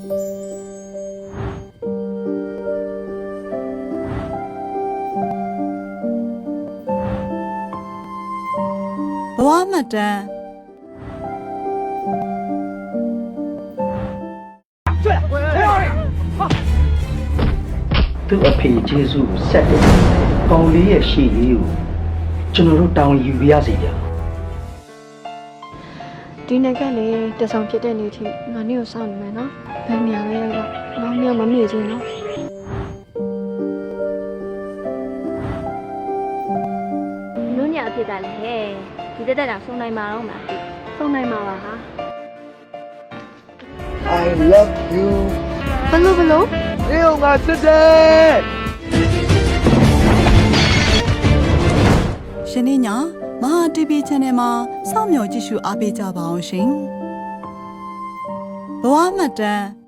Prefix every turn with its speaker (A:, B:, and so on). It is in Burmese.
A: ဘဝမှတ်တမ်း
B: သူ့အဖေကျေးဇူးကိုဆက်တယ်။ပေါင်လေးရဲ့ရှေ့ရေးကိုကျွန်တော်တို့တောင်းယူပြရစီဗျာ။
C: ဒီနေ့ကလေတဆောင်ဖြစ်တဲ့နေ့ထိငါနေ့ကိုစောင့်နေမယ်နော်ဘယ်နေရာလဲတော့ငါနေ့မမေ့ချင်နော်
D: နုညအဖြစ်ကလည်းဟဲ့ဒီတက်တက်တောင်ဆုံးနိုင်မှာတော့မလား
C: ဆုံးနိုင်မှာပါဟာ
E: I love you
C: ဘလို့
E: အေးငါစစ်တယ်
A: ရှင်နေ့ညမဟာ TV Channel မှာစောင့်မျှော်ကြည့်ရှုအားပေးကြပါအောင်ရှင်ဘဝမှတ်တမ်း